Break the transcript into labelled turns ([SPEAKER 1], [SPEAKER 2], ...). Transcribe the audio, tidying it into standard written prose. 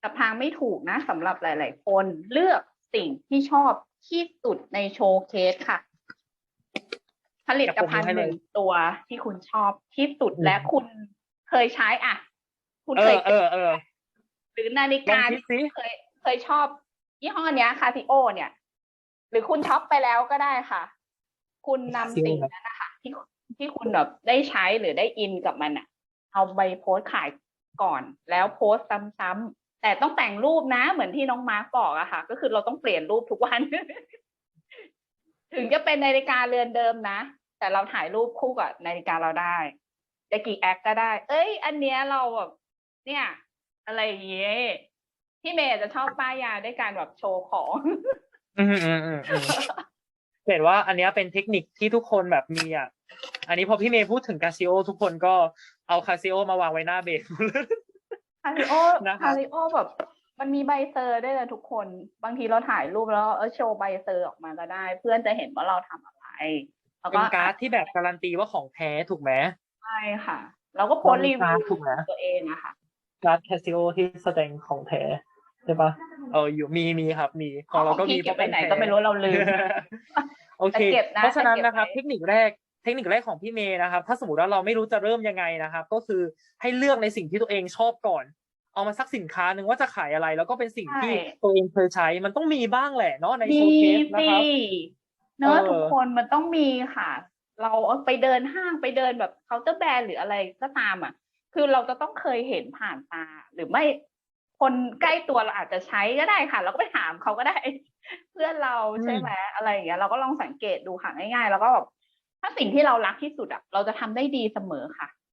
[SPEAKER 1] แต่พางไม่ถูกนะสำหรับหลายๆคนเลือกสิ่งที่ชอบที่สุดในโชว์เคสค่ะ ผลิตภัณฑ์หนึ่งตัวที่คุณชอบที่สุดและคุณเคยใช้อ่ะ คุณเคยหรือนาฬิกาที่เคยชอบยี่ห้อเนี้ยคาซิโอเนี่ย หรือคุณช็อปไปแล้วก็ได้ค่ะ คุณนำสิ่งนั้นนะคะที่คุณแบบได้ใช้หรือได้อินกับมันอ่ะ เอาไปโพสต์ขายก่อนแล้วโพสต์ซ้ำๆแต่ต้องแต่งรูปนะเหมือนที่น้องมาร์กบอกอะค่ะ ก็คือเราต้องเปลี่ยนรูปทุกวัน ถึงจะเป็นนาฬิกาเรือนเดิมนะ แต่เราถ่ายรูปคู่กับนาฬิกาเราได้จะกี่แอคก็ได้ เอ้ย อันเนี้ยเราแบบเนี่ย อะไรอย่างเงี้ยพี่เมย์จะชอบป้ายยาด้วยการแบบโชว์ของ
[SPEAKER 2] เห็นว่าอันนี้เป็นเทคนิคที่ทุกคนแบบมีอ่ะอันนี้พอพี่เมย์พูดถึงคาซิโอทุกคนก็เอาคาซิโอมาวางไว้หน้าเบส
[SPEAKER 1] คาซิโอแบบมันมีใบเซอร์ด้วยนะทุกคนบางทีเราถ่ายรูปแล้วโชว์ใบเซอร์ออกมาก็ได้ เพื่อนจะเห็นว่าเราทำอะไร
[SPEAKER 2] เป็นการ์ดที่แบบการันตีว่าของแท้ถูกไหม
[SPEAKER 1] ใช่ค่ะเราก็โพสต์รีวิว
[SPEAKER 2] ถูกไหม
[SPEAKER 1] ตัวเองนะคะ
[SPEAKER 2] การ์ดคาซิโอที่แสดงของแท้ใช่ปะอยู่มีครับมีของเราก็มี
[SPEAKER 1] เก็บไปไหนก็ไม่รู้เราลืม
[SPEAKER 2] โอเคเพราะฉะนั้นนะครับเทคนิคแรกของพี่เมย์นะครับถ้าสมมติว่าเราไม่รู้จะเริ่มยังไงนะครับก็คือให้เลือกในสิ่งที่ตัวเองชอบก่อนเอามาสักสินค้าหนึ่งว่าจะขายอะไรแล้วก็เป็นสิ่งที่ตัวเองเคยใช้มันต้องมีบ้างแหละเนาะในโชว์เคสนะครับ
[SPEAKER 1] เนอะทุกคนมันต้องมีค่ะเราไปเดินห้างไปเดินแบบเคาน์เตอร์แบรนด์หรืออะไรก็ตามอ่ะคือเราจะต้องเคยเห็นผ่านตาหรือไม่คนใกล้ตัวเราอาจจะใช้ก็ได้ค่ะเราก็ไปถามเขาก็ได้ เพื่อนเราใช่ไหมอะไรอย่างเงี้ยเราก็ลองสังเกตดูค่ะง่ายๆแล้วก็แบบถ้าสิ่งที่เรารักที่สุดอ่ะเราจะทำได้ดีเสมอค่ะ